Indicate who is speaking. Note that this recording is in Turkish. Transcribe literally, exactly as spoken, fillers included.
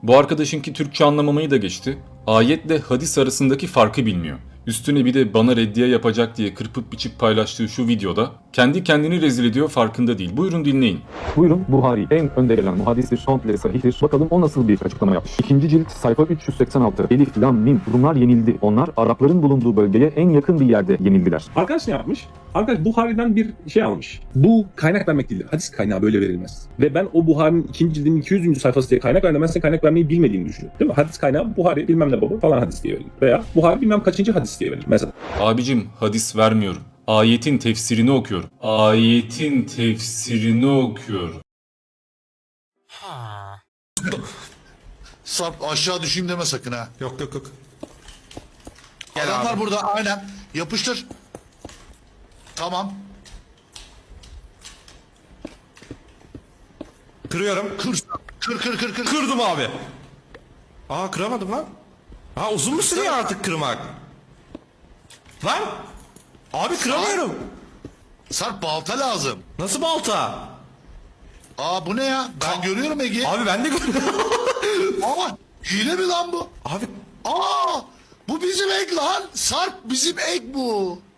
Speaker 1: Bu arkadaşınki Türkçe anlamamayı da geçti. Ayetle hadis arasındaki farkı bilmiyor. Üstüne bir de bana reddiye yapacak diye kırpıp biçip paylaştığı şu videoda kendi kendini rezil ediyor, farkında değil. Buyurun dinleyin.
Speaker 2: Buyurun, Buhari en önde gelen muhaddistir, komple sahihtir. Bakalım o nasıl bir açıklama yapmış. İkinci cilt sayfa üç yüz seksen altı. Elif, lam, mim. Rumlar yenildi. Onlar Arapların bulunduğu bölgeye en yakın bir yerde yenildiler.
Speaker 3: Arkadaş ne yapmış? Arkadaş Buhari'den bir şey almış. Bu kaynak vermek değildir. Hadis kaynağı böyle verilmez. Ve ben o Buhari'nin ikinci cildinin iki yüzüncü sayfası diye kaynak verdim. Ben senin kaynak vermeyi bilmediğini düşünüyorum. Değil mi? Hadis kaynağı Buhari bilmem ne baba falan hadis diye verilir. Veya Buhari bilmem kaçıncı hadis diye verilir mesela.
Speaker 1: Abicim hadis vermiyorum. Ayetin tefsirini okuyorum. Ayetin tefsirini okuyorum.
Speaker 4: Sarp aşağı düşeyim deme sakın ha.
Speaker 5: Yok yok yok. Gel
Speaker 4: Adamlar
Speaker 5: abi.
Speaker 4: burada aynen. Yapıştır. Tamam.
Speaker 5: Kırıyorum.
Speaker 4: Kır. Kır kır kır kır.
Speaker 5: Kırdım abi. Aa kıramadım lan. Ha uzun mu sürüyor artık kırmak? Lan. Abi kıramıyorum.
Speaker 4: Sarp balta lazım.
Speaker 5: Nasıl balta?
Speaker 4: Aa bu ne ya? Ben görüyorum Ege.
Speaker 5: Abi ben de görüyorum.
Speaker 4: Aa hile mi lan bu?
Speaker 5: Abi
Speaker 4: Aa bu bizim ek lan. Sarp bizim ek bu.